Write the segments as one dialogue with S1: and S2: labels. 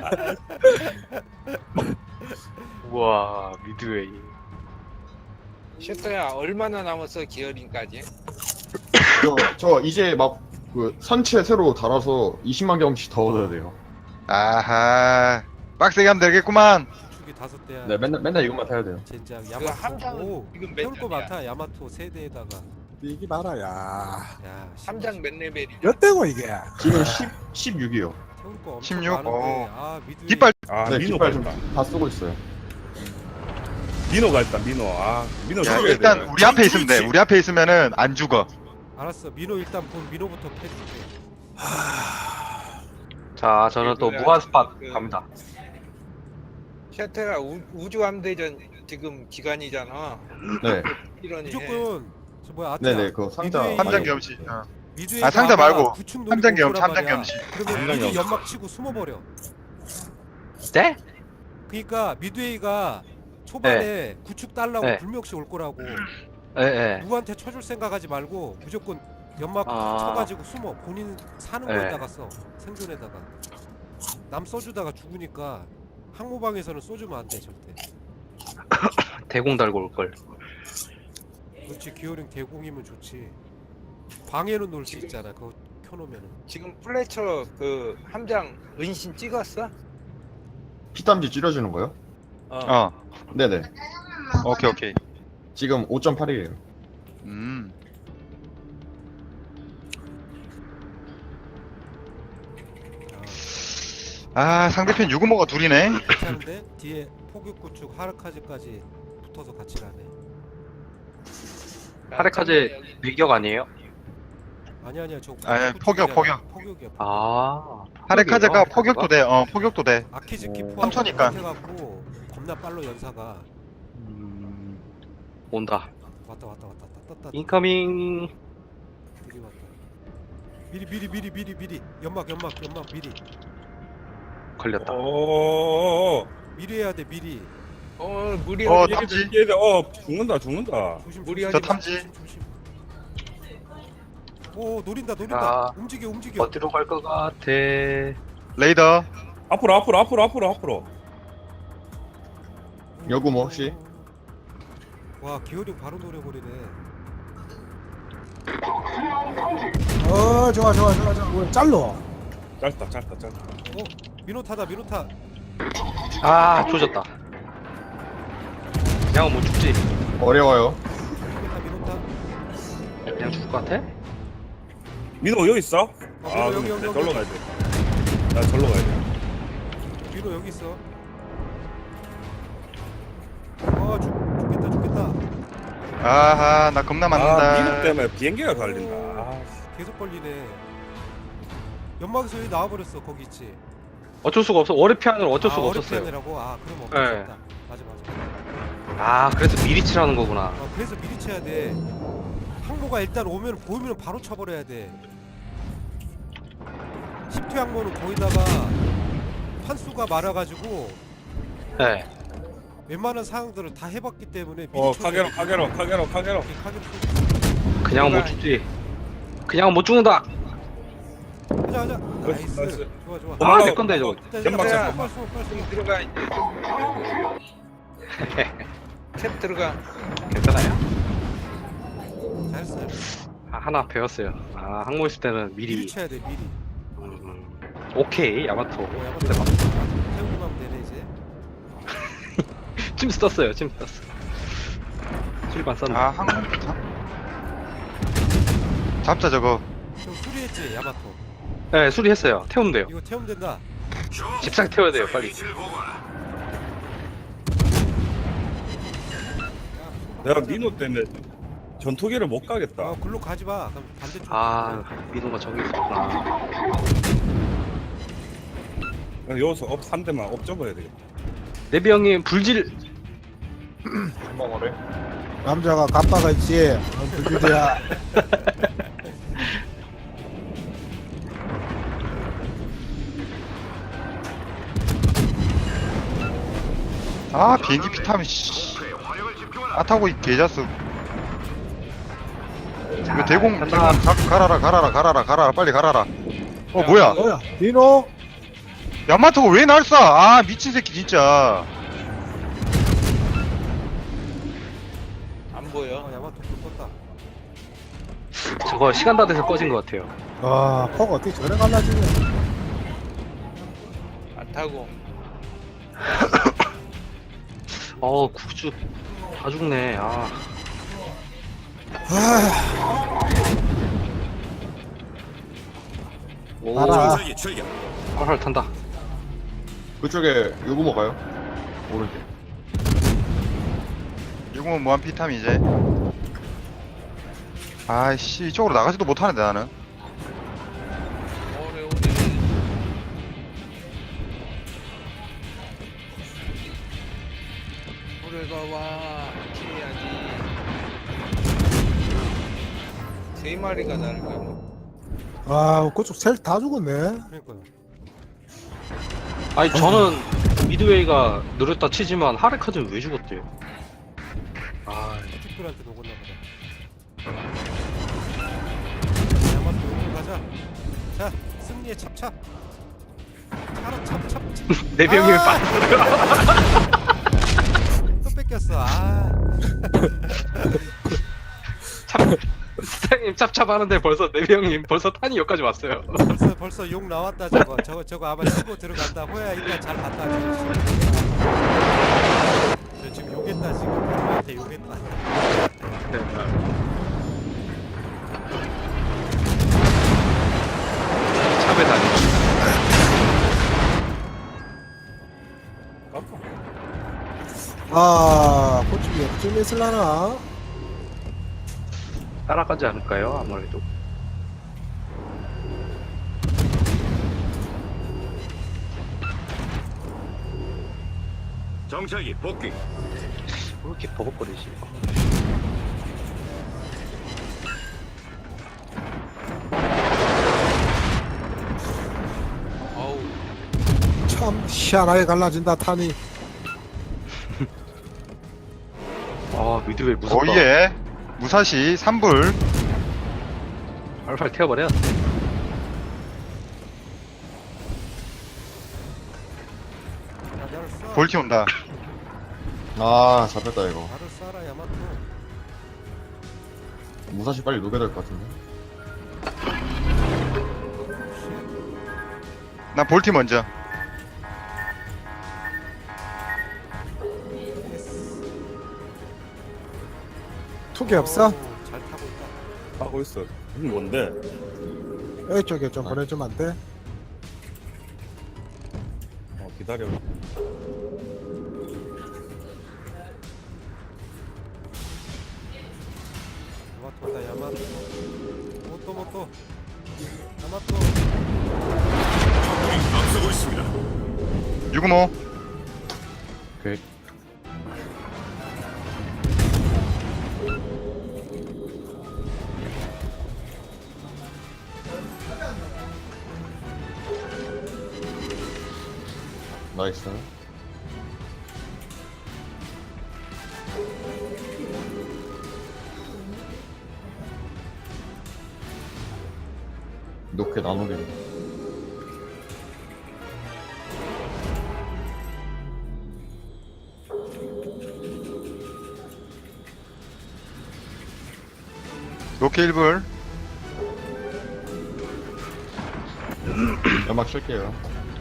S1: 우와 미드웨이.
S2: 셔터야 얼마나 남았어 기어링까지?
S3: 저 이제 막 그 선체 새로 달아서 20만 경씩 더 얻어야 돼요.
S4: 아하 빡세게 하면 되겠구만.
S5: 축이 5대야.
S3: 네, 맨날 이것만 타야 돼요.
S5: 젠장
S2: 그
S5: 야마토.
S2: 함장
S5: 오,
S2: 지금 몇
S5: 태울 거
S2: 장이야?
S5: 많다. 야마토 세대에다가.
S6: 이기 봐라 야.
S5: 야,
S2: 함장 몇 레벨이?
S6: 몇 대고 이게?
S3: 지금 16이요.
S5: 태울 거 엄청
S4: 16?
S5: 많은데.
S4: 어.
S5: 아, 미드.
S4: 깃발
S7: 아
S3: 네,
S7: 민호가
S3: 깃발
S7: 있다.
S3: 좀다 쓰고 있어요.
S7: 민호가 있다. 민호. 아 민호
S4: 야,
S7: 죽여야
S4: 일단
S7: 돼.
S4: 우리 앞에 있으면 돼. 우리 앞에 있으면은 안 죽어.
S5: 알았어. 민호 일단 본 민호부터 패줄게.
S1: 자 저는 또 무한 스팟 갑니다.
S2: 셔터야 우주함대전 지금 기간이잖아.
S3: 네,
S2: 이러니.
S5: 무조건 저 뭐야 아트야.
S3: 네네 그 상자.
S5: 미드웨이-
S4: 함장 겸시.
S5: 미드웨이
S4: 아, 상자 말고.
S5: 구축 노리고
S4: 함장 겸,
S5: 올 거란
S4: 함장
S5: 말이야.
S4: 겸시.
S5: 그러면
S7: 함장
S5: 미드
S7: 겸시.
S5: 연막 치고 숨어버려.
S1: 네?
S5: 그러니까 미드웨이가 초반에 구축 달라고
S1: 네.
S5: 불명시 올 거라고.
S1: 예.
S5: 누구한테 쳐줄 생각하지 말고 무조건 연막
S1: 아.
S5: 쳐가지고 숨어. 본인 사는
S1: 네.
S5: 거에다가 써. 생존에다가. 남 써주다가 죽으니까 항모방에서는 쏘주면 안 돼 절대.
S1: 대공 달고 올 걸.
S5: 그렇지. 기어링 대공이면 좋지. 방에는 놀 수 있잖아. 그거 켜놓으면은.
S2: 지금 플래처 그 함장 은신 찍었어?
S3: 피땀지 찌려주는 거요?
S4: 어.
S3: 네네.
S4: 오케이.
S3: 지금 5.8이에요.
S4: 음. 아 상대편 유구모가 둘이네.
S5: 괜찮은데 뒤에 포격구축 하르카즈까지 붙어서 같이 가네.
S1: 하레카제 밀격 아니에요?
S5: 아니야 저
S4: 아니야,
S5: 구축이잖아.
S4: 포격.
S5: 포격이야.
S1: 아.
S4: 하레카제가
S1: 포격이요?
S4: 포격도 돼. 포격도 돼.
S5: 아키즈키
S3: 오.
S5: 포함
S4: 삼천이니까.
S5: 해갖고 겁나 빨로 연사가
S1: 온다.
S5: 왔다 따따
S1: 인커밍.
S5: 되게 왔다. 미리 연막 미리
S1: 걸렸다.
S7: 오.
S5: 미리 해야 돼 미리.
S2: 무리하지.
S4: 탐지.
S7: 얘들 죽는다.
S5: 조심
S2: 무리하지
S4: 저
S2: 마.
S4: 탐지.
S5: 조심. 오 노린다
S1: 아.
S5: 움직여
S1: 어디로 갈 것 같아?
S4: 레이더.
S7: 앞으로.
S3: 여구모 혹시?
S5: 와 기어링 바로 노려버리네.
S6: 좋아. 뭐 짤로.
S7: 짧다.
S5: 미노타다
S1: 아 조졌다. 그냥 못 죽지.
S3: 어려워요.
S5: 미노타
S1: 그냥 죽을 것 같아?
S7: 민호 여기 있어?
S5: 민호
S7: 아
S5: 여기,
S7: 그럼
S5: 여기.
S7: 절로 가야 돼. 나 절로 가야 돼.
S5: 미노 여기 있어. 죽겠다.
S4: 아하 나 겁나
S7: 아 민호
S4: 맞는다.
S7: 때문에 비행기가 갈린다. 아,
S5: 계속 걸리네. 연막에서 여기 나와버렸어. 거기 있지.
S1: 어쩔 수가 없어. 월요피안으로 어쩔 수가
S5: 어렵게
S1: 없었어요.
S5: 하느라고? 그럼
S1: 네.
S5: 없었다. 맞아.
S1: 아 그래서 미리 치라는 거구나.
S5: 그래서 미리 쳐야 돼. 항모가 일단 보이면 바로 쳐버려야 돼. 10투 항모는 거기다가 판수가 많아가지고
S1: 네.
S5: 웬만한 상황들을 다 해봤기 때문에 미리
S7: 카게로.
S5: 카게로
S1: 그냥 못 죽지. 그냥 못 죽는다.
S5: 하자.
S7: 나이스.
S5: 나이스. 좋아.
S1: 아 내 건데 저거.
S7: 연막
S2: 야.
S5: 빨리
S2: 지금 들어가 이제. 탭 들어가.
S1: 괜찮아요.
S5: 잘했어.
S1: 하나 배웠어요. 항모 있을 때는
S5: 미리
S1: 미리.
S5: 쳐야 돼. 미리.
S1: 오케이 야마토.
S5: 야마토 태우기만 하면 되네 이제.
S1: 찜 썼어요. 출발 썼나?
S4: 아 항상 잡자 저거.
S5: 좀 수리했지 야마토.
S1: 네 수리했어요. 태우면 돼요.
S5: 이거 태우면 된다.
S1: 집상 태워야 돼요 빨리.
S7: 내가 민호 때문에 전투기를 못 가겠다.
S5: 글로 가지 마. 그럼 반대쪽.
S1: 아 민호가 저기 있었구나.
S7: 여기서 한 대만 접어야 되겠다.
S1: 네비 형님 불질.
S3: 한방어래.
S6: 남자가 갑바가 있지. 불길이야.
S4: 비행기 피타면 씨. 타고 이 개자스. 이거 대공
S1: 간다.
S4: 갈아라 빨리 갈아라. 뭐야?
S6: 민호.
S4: 야마토가 왜 날 쏴? 아 미친 새끼 진짜.
S2: 안 보여.
S5: 야마토 불 껐다.
S1: 저거 시간 다 돼서 꺼진 것 같아요.
S6: 아 포가 어떻게 저래 갈라지냐.
S2: 안 타고.
S1: 구주 다 죽네. 아, 오,
S6: 알아.
S1: 활활 탄다.
S3: 그쪽에 요거 먹어요. 오른쪽.
S4: 이거는 무한 피탐 이제. 아이씨 이쪽으로 나가지도 못하는데 나는.
S2: 오래 오래. 오래가 와. 피해야지. 세 마리가 나를 가면.
S6: 아 그쪽 셀 다 죽었네.
S5: 그러니까요.
S1: 아니 저는 미드웨이가 느렸다 치지만 하레카즈는 왜 죽었대요? 아,
S5: 틱불한테 녹았나 보다. 야마토 용으로 가자. 자, 승리의 찹찹. 차로 찹찹.
S1: 네 병이
S5: 아!
S1: 빠졌어요.
S5: 또 뺏겼어. 아.
S1: 사장님 찹찹하는데 벌써 네 병이 벌써 탄이 여기까지 왔어요.
S5: 벌써 욕 나왔다 저거. 저거 아마 치고 들어간다. 호야 일단 잘 갔다. 저 지금 욕했다 지금. 나한테 욕했다.
S1: 찹에 다니.
S6: 아 그쪽이 어떻게 있을라나.
S1: 따라가지 않을까요? 아무래도.
S8: 정찰기 복귀.
S1: 왜 이렇게 버벅거리지?
S2: 어우.
S6: 참 희한하게 갈라진다 탄이.
S1: 아, 미드웨이 무섭다.
S4: 오예. 무사시 3불.
S1: 활활 태워버려.
S5: 나를 쏴.
S4: 볼티 온다.
S3: 아 잡혔다 이거.
S5: 나를 쏴라 야마토.
S3: 무사시 빨리 녹여야 될 것 같은데.
S4: 난 볼티 먼저.
S6: 툭이 없어?
S5: 잘 타고 있다.
S7: 하고 있어. 이게 뭔데?
S6: 이쪽에 좀 보내주면 안 돼?
S7: 기다려.
S5: 야마토다 야마토. 모토. 야마토.
S8: 앞서고 있습니다.
S4: 655.
S3: 오케이. 나이스. 녹게 나누게.
S4: 로케 1불.
S3: 연막 칠게요.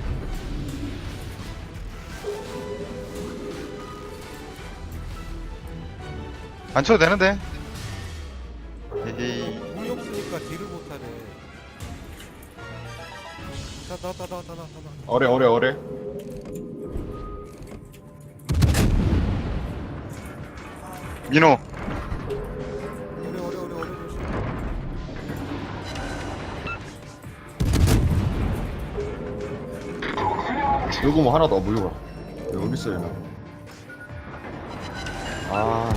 S4: 안 쳐도 되는데. 에이.
S5: 운이 없으니까 딜을 못하네. 나.
S3: 어래.
S4: 민호.
S5: 오래 조심.
S3: 요거 뭐 하나 더 물려봐. 여기 있어요. 아,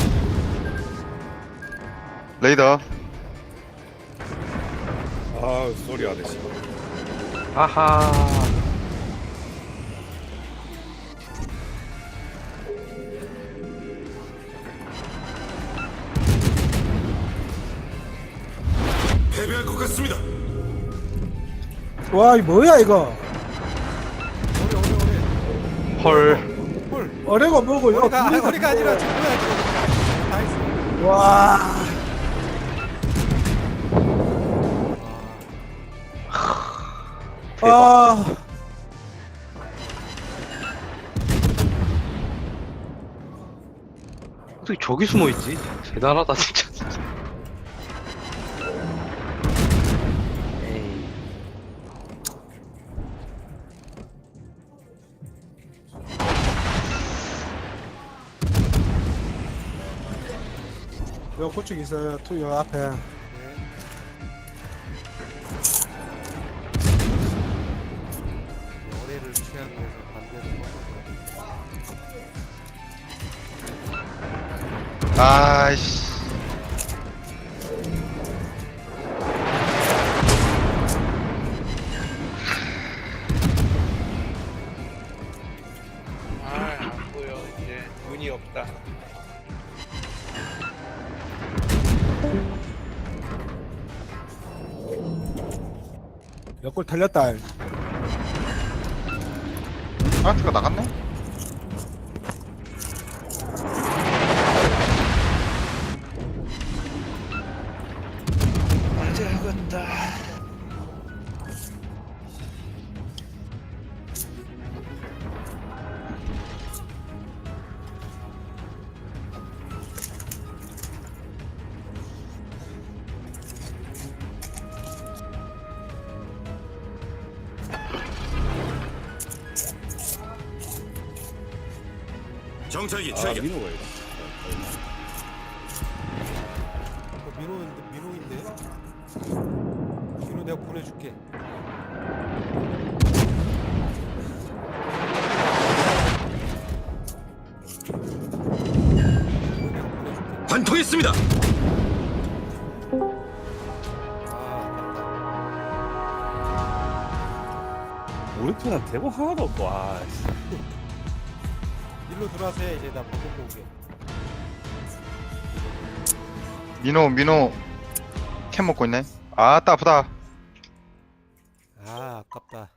S4: 레이더.
S7: 아, 쏘리 아저씨.
S1: 아하.
S8: 패배할 것 같습니다.
S6: 와 이 뭐야 이거.
S1: 헐.
S5: 헐.
S6: 어려가 뭐고 이거
S5: 허리가 아니라 지금 뭐야 지금. 다 했어.
S6: 와 아,
S1: 어떻게 저기 숨어 있지? 대단하다 진짜. 에이.
S6: 요 고축 있어요. 투요 앞에.
S5: 연애를 취하기 위해서 반대로
S4: 아이씨.
S2: 아안 보여 이제 눈이 없다.
S6: 옆골 털렸다.
S4: 파트가 나갔네?
S2: 맞아야겠다.
S8: 정찰기
S7: 아
S8: 출격.
S7: 민호가 이거.
S5: 민호인데 민호 내가 보내줄게.
S8: 관통했습니다.
S7: 우리 편은 대본 하나도 없고. 아 씨.
S5: 일로 들어와서 이제 나 보고 오게.
S4: 민호 캠 먹고 있네. 아따 아프다.
S5: 아 아깝다.